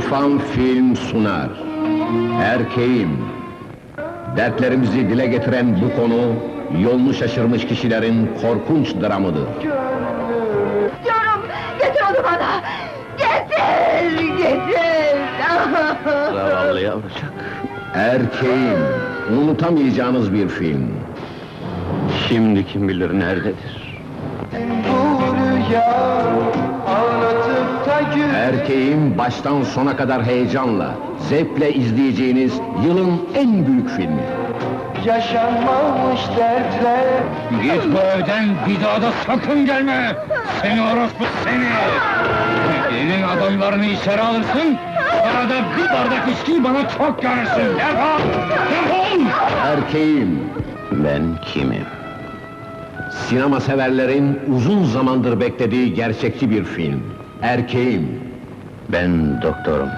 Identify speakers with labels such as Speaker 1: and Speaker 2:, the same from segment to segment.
Speaker 1: İrfan Film sunar. Erkeğim. Dertlerimizi dile getiren bu konu, yolunu şaşırmış kişilerin korkunç dramıdır.
Speaker 2: Diyorum, getir onu bana! Getir, getir!
Speaker 3: Zavallı yavrucak.
Speaker 1: Erkeğim. Unutamayacağınız bir film.
Speaker 3: Şimdi kim bilir nerededir?
Speaker 4: Bu rüya ağlatıp da gül.
Speaker 1: Erkeğim baştan sona kadar heyecanla, zevkle izleyeceğiniz yılın en büyük filmi.
Speaker 4: Yaşanmamış dertler.
Speaker 5: Git bu evden, bir daha da sakın gelme! Seni orospu seni! Elin adamlarını içeri alırsın, sonra da bir bardak içkiyi bana çok görürsün! Defol! Defol!
Speaker 1: Erkeğim.
Speaker 3: Ben kimim?
Speaker 1: Sinema severlerin uzun zamandır beklediği gerçekçi bir film. Erkeğim.
Speaker 3: Ben doktorum.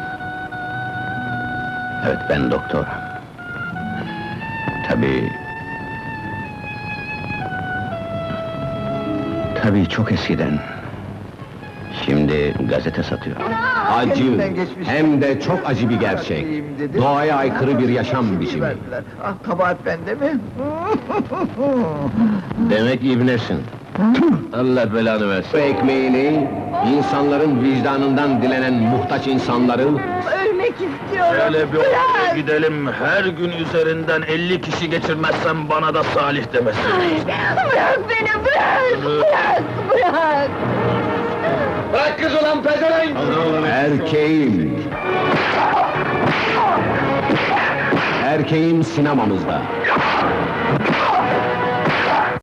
Speaker 3: Evet, ben doktor. Tabii çok eskiden. Şimdi gazete satıyor.
Speaker 1: Acı,
Speaker 4: Kendinden geçmiş.
Speaker 1: hem de çok acı bir gerçek. Doğaya aykırı bir yaşam biçimi.
Speaker 4: Verdiler. Ah, kabahat bende mi?
Speaker 3: Demek ibnesin. Allah belanı versin.
Speaker 1: Bu ekmeğini, insanların vicdanından dilenen muhtaç insanları,
Speaker 2: Ölmek istiyorum!
Speaker 3: Şöyle bir
Speaker 2: Bırak!
Speaker 3: oraya gidelim, her gün üzerinden 50 kişi geçirmezsem bana da Salih demesin.
Speaker 2: Ay, bırak beni, bırak! Bırak, bırak!
Speaker 4: Bırak kız ulan pezevenk!
Speaker 1: erkeğim. Erkeğim sinemamızda.